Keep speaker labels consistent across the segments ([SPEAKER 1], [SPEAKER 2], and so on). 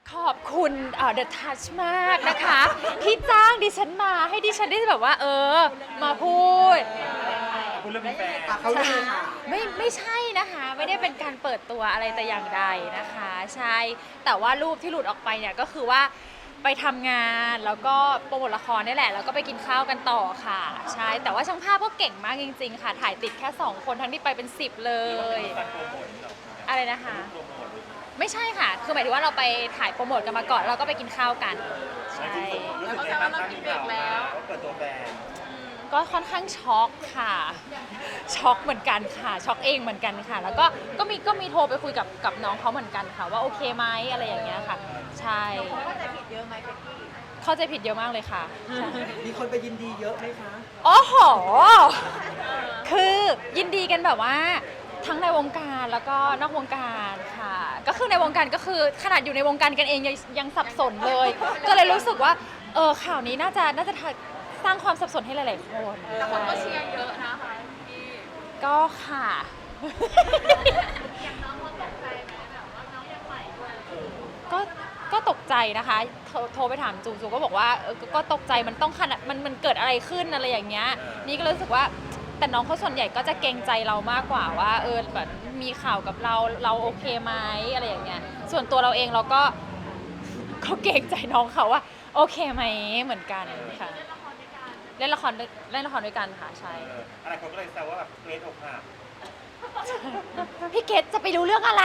[SPEAKER 1] ขอบคุณThe Touch มากนะคะที่จ้างดิฉันมาให้ดิฉันได้แบบว่ามาพูด
[SPEAKER 2] คุณเริ่มมีแฟน
[SPEAKER 3] เขาเลยค่ะ
[SPEAKER 1] ไม่ใช่นะคะไม่ได้เป็นการเปิดตัวอะไรแต่อย่างใดนะคะใช่แต่ว่ารูปที่หลุดออกไปเนี่ยก็คือว่าไปทำงานแล้วก็โปรโมทละครนี่แหละแล้วก็ไปกินข้าวกันต่อค่ะใช่แต่ว่าช่างภาพก็เก่งมากจริงๆค่ะถ่ายติดแค่2คนทั้งที่ไปเป็น10เลยอะไรนะคะไม่ใช่ค่ะคือหมายถึงว่าเราไปถ่ายโปรโมทกันมาก่อนเราก็ไปกินข้าวกันใช่
[SPEAKER 2] รู้สึกไงบ้างครับที่ข่าวมาว่าเปิดตัวแฟน
[SPEAKER 1] ก็ค่อนข้างช็อกค่ะช็อกเหมือนกันค่ะช็อกเองเหมือนกันค่ะแล้วก็มีโทรไปคุยกับน้องเขาเหมือนกันค่ะว่าโอเคไหมอะไรอย่างเงี้ยค่ะใช่เข้าใจผิดเยอะไหมเบกกี้เข้าใจผิดเยอะมากเลยค่ะ
[SPEAKER 3] มีคนไปยินดีเยอะไหมคะ
[SPEAKER 1] โอ้โหคือยินดีกันแบบว่าทั้งในวงการแล้วก็นอกวงการค่ะก็คือในวงการก็คือขนาดอยู่ในวงการกันเองยังสับสนเลยก็เลยรู้สึกว่าข่าวนี้น่าจะสร้างความสับสนให้หลายๆคน
[SPEAKER 4] แต่คนก็เชียร์เยอะนะคะพี่
[SPEAKER 1] ก็ค่ะ
[SPEAKER 4] อย่างน้องเขาตกใจไหมแบบว่าน้องยังใหม่ด้วย
[SPEAKER 1] ก็ตกใจนะคะโทรไปถามจูก็บอกว่าก็ตกใจมันต้องขนาดมันเกิดอะไรขึ้นอะไรอย่างเงี้ยนี่ก็รู้สึกว่าแต่น้องเขาส่วนใหญ่ก็จะเกรงใจเรามากกว่าว่าแบบมีข่าวกับเราโอเคไหมอะไรอย่างเงี้ยส่วนตัวเราเองเราก็เกรงใจน้องเขาว่าโอเคไหมเหมือนกันค่ะเล่นละครด้วยกันค่ะใช่
[SPEAKER 2] อะไรคนก็เลยแซวว่าแบบเกรทอกหัก
[SPEAKER 1] พี่เกดจะไปรู้เรื่องอะไร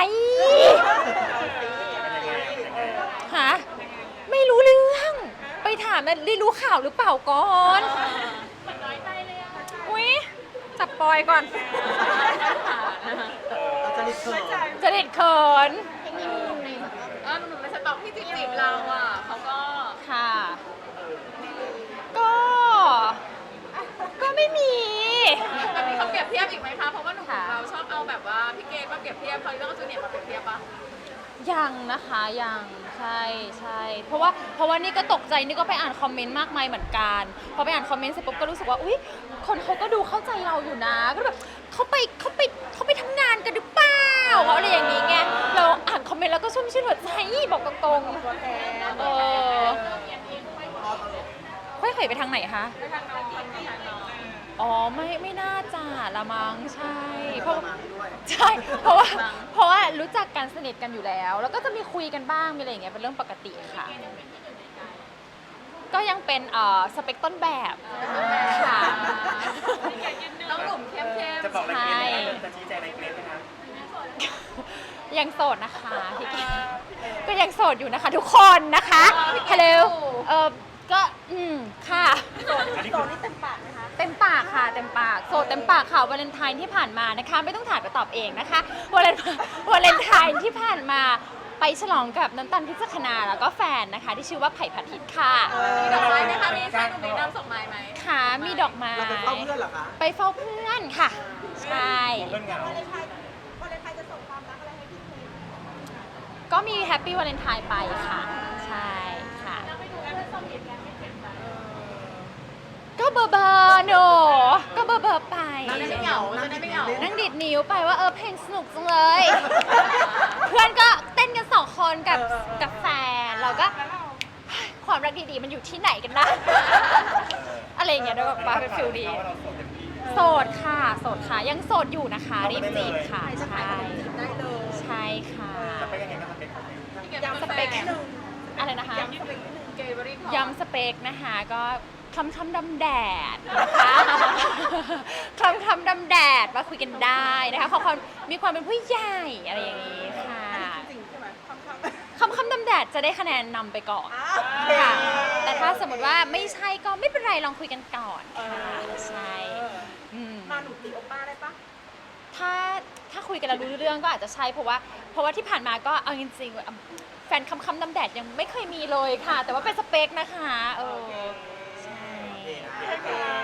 [SPEAKER 1] ฮะไม่รู้เรื่องไปถามได้รู้ข่าวหรือเปล่าก่อน
[SPEAKER 4] เหมือนน้อยใจเลยอะ
[SPEAKER 1] อุ๊ยจับปอยก่อน
[SPEAKER 3] จะริดเขิน
[SPEAKER 4] หนุ่มในสต็อกที่จีบเราอ่ะเขาก็
[SPEAKER 1] ค่ะก็ไม่มี
[SPEAKER 4] อันนี้เขาเปรียบเทียบอีกไหมคะเพราะว่าหนุ่มเราชอบเอาแบบว่าพี่เกดมาเปรียบเทียบเขาเรื่องจูเนียร์มาเปรียบเทียบปะ
[SPEAKER 1] ยังนะคะยังใช่เพราะว่านี่ก็ตกใจนี่ก็ไปอ่านคอมเมนต์มากมายเหมือนกันพอไปอ่านคอมเมนต์เสร็จปุ๊บก็รู้สึกว่าอุ๊ยคนเขาก็ดูเข้าใจเราอยู่นะก็แบบเขาไปทำงานกันหรือเปล่าเขาอะไรอย่างนี้ไงเราอ่านคอมเมนต์แล้วก็ชุ่มชื่นหัวใจบอกตรงๆค่อยเขยไปทางไหนคะ
[SPEAKER 4] ไปทางน้องไปทางน้อง
[SPEAKER 1] อ๋อไม่น่าจะละมั้งใช่เพราะว่ารู้จักกันสนิทกันอยู่แล้วก็จะมีคุยกันบ้างมีอะไรอย่างเงี้ยเป็นเรื่องปกติค่ะก็ยังเป็นสเปคต้นแบบค่ะ
[SPEAKER 4] ต้องหนุ่มเข้ม
[SPEAKER 2] จะบอกอะไรเกรทไหมจะชี้แจงอะไรเกรทไหมคะ
[SPEAKER 1] ยังโสดนะคะพี่เกรทก็ยังโสดอยู่นะคะทุกคนนะคะฮัลโหลก็ค่ะ
[SPEAKER 4] โสดนี่เต็มปากนะคะ
[SPEAKER 1] เต็มปากค่ะเต็มปากโสดเต็มปากค่ะวาเลนไทน์ที่ผ่านมานะคะไม่ต้องถามก็ตอบเองนะคะวาเลนไทน์ที่ผ่านมาไปฉลองกับน้ำตาลพิจักนาแล้วก็แฟนนะคะที่ชื่อว่าไผ่ผัดทิศค่ะ
[SPEAKER 4] มีดอกไม้ไหมคะมีชายหนุ่มนำส่งไม้ไหม
[SPEAKER 1] ค่ะมีดอกไม้
[SPEAKER 3] เราไปเฝ้าเพื่อนเหรอคะ
[SPEAKER 1] ไปเฝ้าเพื่อนค่ะใช่
[SPEAKER 2] เพื่อนเหงาว
[SPEAKER 4] าเลนไทน์จะส่งความรักอะไรให้พี่เค้ก
[SPEAKER 1] ก็มีแฮปปี้วาเลนไทน์ไปค่ะใช่ค่ะ
[SPEAKER 4] เราไปดูกันว่าส่งเหตุการณ์ไม่เจ็บใจ
[SPEAKER 1] ก็เบอร์โนก็เบอร์ไป
[SPEAKER 4] จะได้ไม่เหงา
[SPEAKER 1] นั่งดิดนิ้วไปว่าเพลงสนุกจังเลย เพื่อนก็เต้นกัน2 คนกับแฟนเราก็ความรักดีๆมันอยู่ที่ไหนกันนะอะไรอย่างเงี้ยด้วยแบบว่าเป็นฟิลดีโสดค่ะยังโสดอยู่นะคะรีบจีบค่ะใช่ใช่ค่ะ
[SPEAKER 2] จะไปยังไงก็สเปคของพี่
[SPEAKER 1] ย้ำสเปคอะไรนะคะย้ำสเปคนะคะก็คำดำแดดนะคะคำดำแดดมาคุยกันได้นะคะขอความมีความเป็นผู้ใหญ่อะไรอย่างนี้ค่ะคำดำแดดจะได้คะแนนนำไปก่อนค่ะแต่ถ้าสมมติว่าไม่ใช่ก็ไม่เป็นไรลองคุยกันก่อนค่ะใช่
[SPEAKER 4] มาหนุ่มตีโอป้าได้ปะ
[SPEAKER 1] ถ้าคุยกันแล้วรู้เรื่องก็อาจจะใช่เพราะว่าที่ผ่านมาก็เอาจริงๆแฟนคำดำแดดยังไม่เคยมีเลยค่ะแต่ว่าเป็นสเปคนะคะใช่